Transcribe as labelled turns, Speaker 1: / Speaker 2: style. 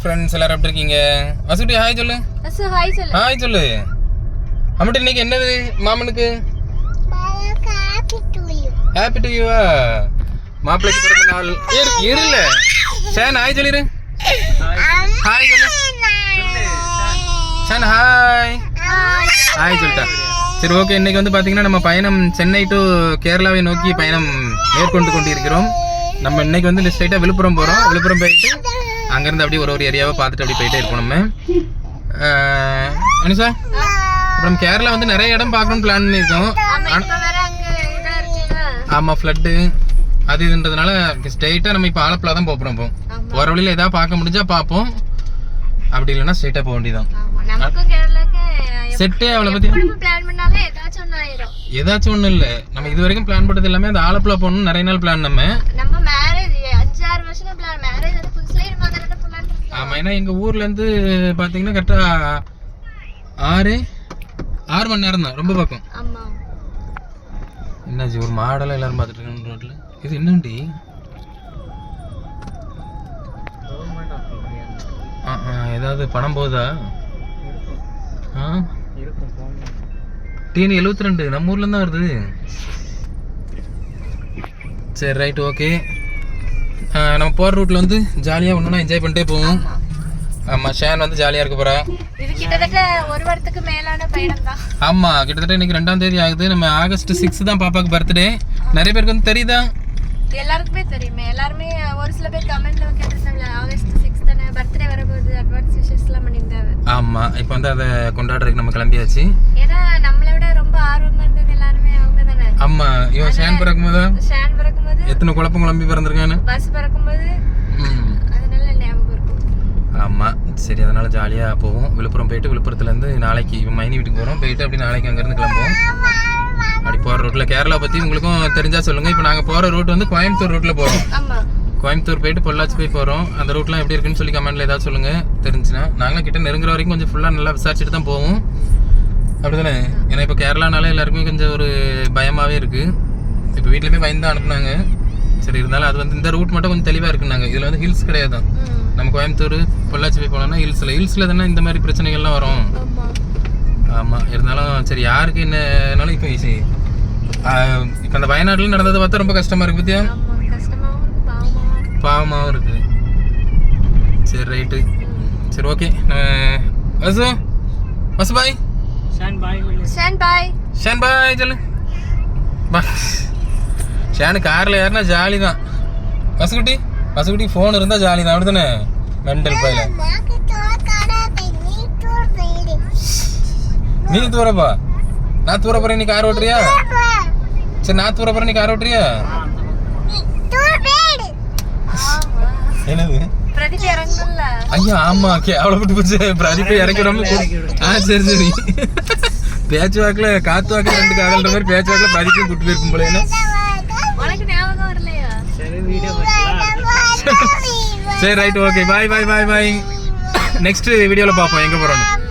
Speaker 1: Friends எல்லாரும் எப்படி இருக்கீங்க? வசுட்டி ஹாய் சொல்லு. ஹாய் சொல்லு. அம்மிட்ட இன்னைக்கு என்னது மாமனுக்கு? Happy to you. மாப்பிள்ளைக்கு பிறந்த நாள். இருல ஷான் ஹாய் சொல்லிரு. ஹாய் சொல்லு ஷான். ஹாய் ஹாய் சொல்லிட்டா. சரி ஓகே, இன்னைக்கு வந்து பார்த்தீங்கன்னா நம்ம பயணம் சென்னை டு கேரளாவை நோக்கி பயணம் மேற்கொண்டு கொண்டிருக்கிறோம். நம்ம இன்னைக்கு வந்து ஸ்ட்ரைட்டாக விழுப்புரம் போகிறோம். விழுப்புரம் போயிட்டு அங்கேருந்து அப்படியே ஒரு ஏரியாவை பார்த்துட்டு அப்படி போயிட்டே இருக்கோம் நம்ம. அனிஷா, அப்புறம் கேரளா வந்து நிறைய இடம் பார்க்கணும்னு பிளான் பண்ணியிருக்கோம். ஆமாம், ஃப்ளட்டு அது இதுன்றதுனால ஸ்ட்ரைட்டாக நம்ம இப்போ ஆலப்புழா தான் போகிறோம். இப்போ போகிற வழியில் எதாவது பார்க்க முடிஞ்சா பார்ப்போம், அப்படி இல்லைன்னா ஸ்ட்ரைட்டாக போக வேண்டியதான். செட்டே அவளை பற்றி ஏதாச்சும் ஒன்றும் இல்லை. நம்ம இது வரைக்கும் பிளான் பண்ணது எல்லாமே அந்த ஆலப்புழா போகணும்னு நிறைய நாள் பிளான். நம்ம ஆமாம், ஏன்னா எங்கள் ஊர்லேருந்து பார்த்தீங்கன்னா கரெக்டாக 6 மணி நேரம் தான், ரொம்ப பக்கம். என்னாச்சு ஒரு மாடலாக எல்லாரும் பார்த்துட்டு இருக்காங்க ரோட்டில். இது என்னண்டி? ஏதாவது பணம் போகுதா? டிஎன் 72 நம்ம ஊர்லேருந்து தான் வருது. சரி ரைட் ஓகே. நம்ம போகிற ரூட்டில் வந்து ஜாலியாக ஒன்றுனா என்ஜாய் பண்ணிட்டே போவோம். ஆமாம், ஷேன் வந்து ஜாலியாக இருக்க போகிறா. ஆமாம், கிட்டத்தட்ட இன்னைக்கு 2ஆம் தேதி ஆகுது. நம்ம ஆகஸ்ட் 6 தான் பாப்பாவுக்கு பர்த்டே. நிறைய பேருக்கு வந்து தெரியுதா?
Speaker 2: எல்லாருக்குமே தெரியுமே. எல்லாருமே ஒரு சில பேர் கமெண்ட்ல கேட்டிருந்தாங்க ஆகஸ்ட் 6 தானே பர்த்டே வரப்போகுது, அட்வான்ஸ் விஷஸ்லாம் பண்ணியிருந்தாங்க.
Speaker 1: ஆமாம், இப்போ வந்து அதை கொண்டாடுறதுக்கு நம்ம கிளம்பியாச்சு.
Speaker 2: ஏன்னா நம்மளை விட ரொம்ப ஆர்வமாக இருந்தது எல்லாருமே அவங்க தானே.
Speaker 1: ஆமாம், இவன் ஷேன் பிறக்கும்போது எத்தனை குழப்பம் குழம்பி பிறந்திருக்கானு
Speaker 2: பஸ் பிறக்கும்போது, அதனால ஞாபகம் இருக்கும்.
Speaker 1: ஆமாம் சரி, அதனால ஜாலியாக போவோம். விழுப்புரம் போயிட்டு விழுப்புரத்துலேருந்து நாளைக்கு மைனி வீட்டுக்கு போகிறோம். போயிட்டு அப்படி நாளைக்கு அங்கேருந்து கிளம்புவோம். அப்படி போகிற ரூட்டில் கேரளா பற்றி உங்களுக்கும் தெரிஞ்சா சொல்லுங்கள். இப்போ நாங்கள் போகிற ரூட் வந்து கோயம்புத்தூர் ரூட்டில் போகிறோம். கோயம்புத்தூர் போயிட்டு பொள்ளாச்சி போய் போகிறோம். அந்த ரூட்லாம் எப்படி இருக்குன்னு சொல்லி கமெண்ட்டில் ஏதாவது சொல்லுங்கள் தெரிஞ்சுன்னா. நாங்களும் கிட்ட நெருங்குற வரைக்கும் கொஞ்சம் ஃபுல்லாக நல்லா விசாரிச்சுட்டு தான் போவோம், அப்படி தானே? ஏன்னா இப்போ கேரளானாலே எல்லாருக்குமே கொஞ்சம் ஒரு பயமாகவே இருக்குது. இப்போ வீட்டில் பயந்து தான் அனுப்புனாங்க. சரி, இருந்தாலும் அது வந்து இந்த ரூட் மட்டும் கொஞ்சம் தெளிவாக இருக்குன்னாங்க. இதில் வந்து ஹில்ஸ் கிடையாது. நம்ம கோயம்புத்தூர் பொள்ளாச்சி போய் போனோம்னா ஹில்ஸில் தானே இந்த மாதிரி பிரச்சனைகள்லாம் வரும். ஆமாம், இருந்தாலும் சரி யாருக்கு என்னன்னாலும் இப்போ இப்போ அந்த வயநாட்டில் நடந்ததை பார்த்தா ரொம்ப கஷ்டமாக இருக்குது. பத்தியா பாவமாகவும் இருக்குது. சரி ரைட்டு, சரி ஓகே. வசு பாய். ஷான் பாய் சொல்லு. பாய். ஷானு காரில் ஏறினா ஜாலி தான். வசுக்குட்டி ஃபோன் இருந்தால் ஜாலி தான், அப்படி தானே? மெண்டல் பையில நீ தூரப்பா. நான் தூர போறேன், நீ கார் ஓட்டுறியா? சரி, நான் தூர போறேன், நீ கார் ஓட்டுறியா? என்னது? ஐயா ஆமா, அவ்வளோ விட்டு போச்சு. பிரதீப் இறக்கிறோம். சரி சரி, பேச்சு வாக்கில் காத்து வாக்கில் 2 காதல்ன்ற மாதிரி பேச்சு வாக்கில் பிரதீப்பும் கூட்டு போயிருக்கும் போல. என்ன சரி right okay, bye bye bye bye. Next வீடியோவில் பார்ப்போம் எங்கே போகிறோன்னு.